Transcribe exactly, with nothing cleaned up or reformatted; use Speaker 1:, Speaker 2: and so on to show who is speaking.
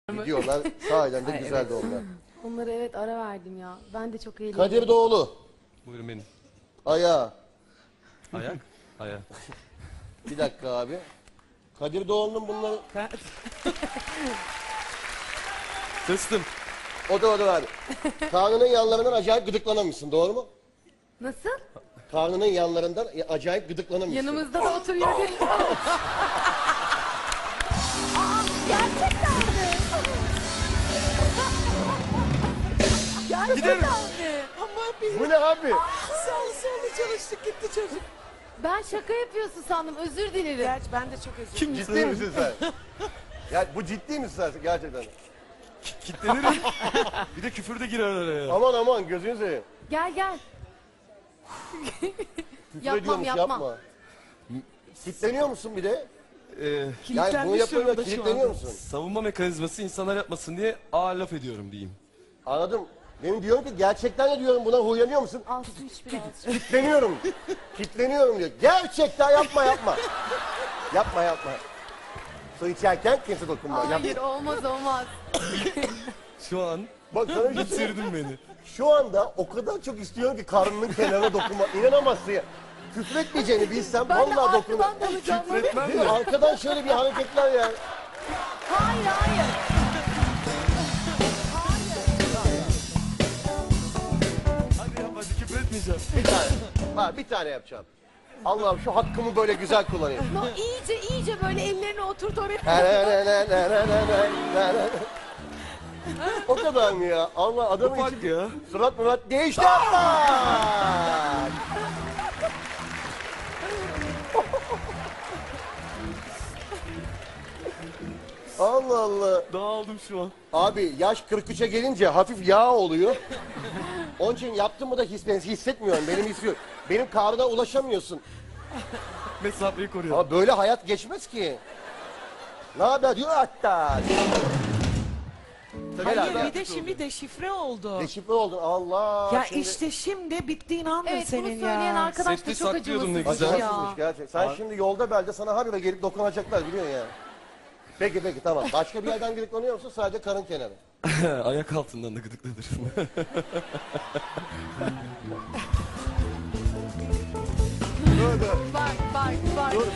Speaker 1: Gidiyorlar. Sahiden de
Speaker 2: Ay,
Speaker 1: güzeldi
Speaker 2: evet.
Speaker 1: onlar.
Speaker 3: Onlara evet ara verdim ya. Ben de çok eğlendim.
Speaker 1: Kadir Doğulu.
Speaker 4: Buyurun benim.
Speaker 1: Ayağı.
Speaker 4: Ayak. Ayak.
Speaker 1: Bir dakika abi. Kadir Doğulu'nun bunları...
Speaker 4: Tıstım.
Speaker 1: O da o da abi. Karnının yanlarından acayip gıdıklanamışsın, doğru mu?
Speaker 3: Nasıl?
Speaker 1: Karnının yanlarından acayip gıdıklanamışsın.
Speaker 3: Yanımızda da oturuyor değil. Aa, gerçekten mi? Gerçekten mi?
Speaker 2: Ama bir
Speaker 1: Bu ne abi?
Speaker 2: sağlı sollu çalıştık gitti çocuk.
Speaker 3: Ben şaka yapıyorsun sandım. Özür dilerim.
Speaker 2: Gerçi ben de çok özür dilerim.
Speaker 1: Ciddi misin sen? Ya bu ciddi misin sen gerçekten?
Speaker 4: Kitlenirim. Bir de küfür de girer araya.
Speaker 1: Aman aman gözünü seveyim.
Speaker 3: Gel gel.
Speaker 1: Küfür
Speaker 3: Yapmam,
Speaker 1: ediyormuş,
Speaker 3: yapmam.
Speaker 1: yapma. Kitleniyor musun bir de?
Speaker 4: Ee,
Speaker 1: Yani bunu
Speaker 2: Kilitlenmiş
Speaker 1: yapınca
Speaker 2: durumda şu
Speaker 1: kilitleniyor
Speaker 2: anda.
Speaker 1: musun?
Speaker 4: savunma mekanizması insanlar yapmasın diye ağır laf ediyorum diyeyim.
Speaker 1: Anladım. Benim diyorum ki gerçekten de diyorum buna huylanıyor musun?
Speaker 3: Al su iç biraz.
Speaker 1: Kitleniyorum. Kitleniyorum diyor. Gerçekten yapma yapma. Yapma yapma. Su içerken kimse dokunma.
Speaker 3: Hayır
Speaker 1: Yapma.
Speaker 3: olmaz olmaz.
Speaker 4: Şu an
Speaker 1: Bak sana bir şey söyleyeyim.
Speaker 4: bitirdin beni.
Speaker 1: Şu anda o kadar çok istiyorum ki karnının kenarına dokunma. İnanamazsın ya. Küfür etmeyeceğini bilsem
Speaker 3: Ben de
Speaker 1: vallahi dokunur.
Speaker 3: arkadan dalacağım.
Speaker 4: Küfretmem
Speaker 1: Değil mi?
Speaker 4: de.
Speaker 1: Arkadan şöyle bir hareketler ya.
Speaker 3: Hayır hayır.
Speaker 4: Hadi yap hadi küfür etmeyeceğim.
Speaker 1: Bir tane. Ha, bir tane yapacağım. Allah'ım şu hakkımı böyle güzel kullanayım.
Speaker 3: No, iyice iyice böyle ellerini oturt oraya.
Speaker 1: O kadar mı ya? Allah adamın
Speaker 4: Ufak
Speaker 1: içi
Speaker 4: ya.
Speaker 1: surat murat değişti ama. Allah Allah.
Speaker 4: Dağıldım şu an.
Speaker 1: Abi yaş kırk üçe gelince hafif yağ oluyor. Onun için yaptım mı da his, ben hissetmiyorum. Benim hissediyorum. Benim karnına ulaşamıyorsun.
Speaker 4: Mesafeyi koruyor.
Speaker 1: Ama böyle hayat geçmez ki. Ne haber diyor hatta. Gel
Speaker 2: Hayır
Speaker 1: abi.
Speaker 2: bir de şimdi deşifre oldu.
Speaker 1: Deşifre oldun Allah.
Speaker 2: Ya
Speaker 1: şimdi...
Speaker 2: işte şimdi bittiğin andır
Speaker 3: Evet bunu
Speaker 2: senin
Speaker 3: söyleyen
Speaker 2: ya.
Speaker 3: arkadaş da
Speaker 4: Sesli
Speaker 3: çok
Speaker 4: saklıyordun ne
Speaker 3: acımasız
Speaker 4: güzel.
Speaker 3: ya.
Speaker 1: Acımasızmış gerçekten. Sen şimdi yolda belde sana habire gelip dokunacaklar biliyorsun ya. Peki peki tamam. Başka bir yerden gıdıklanıyor musun? Sadece karın kenarı.
Speaker 4: Ayak altından da gıdıklanır.
Speaker 3: Bak bak bak.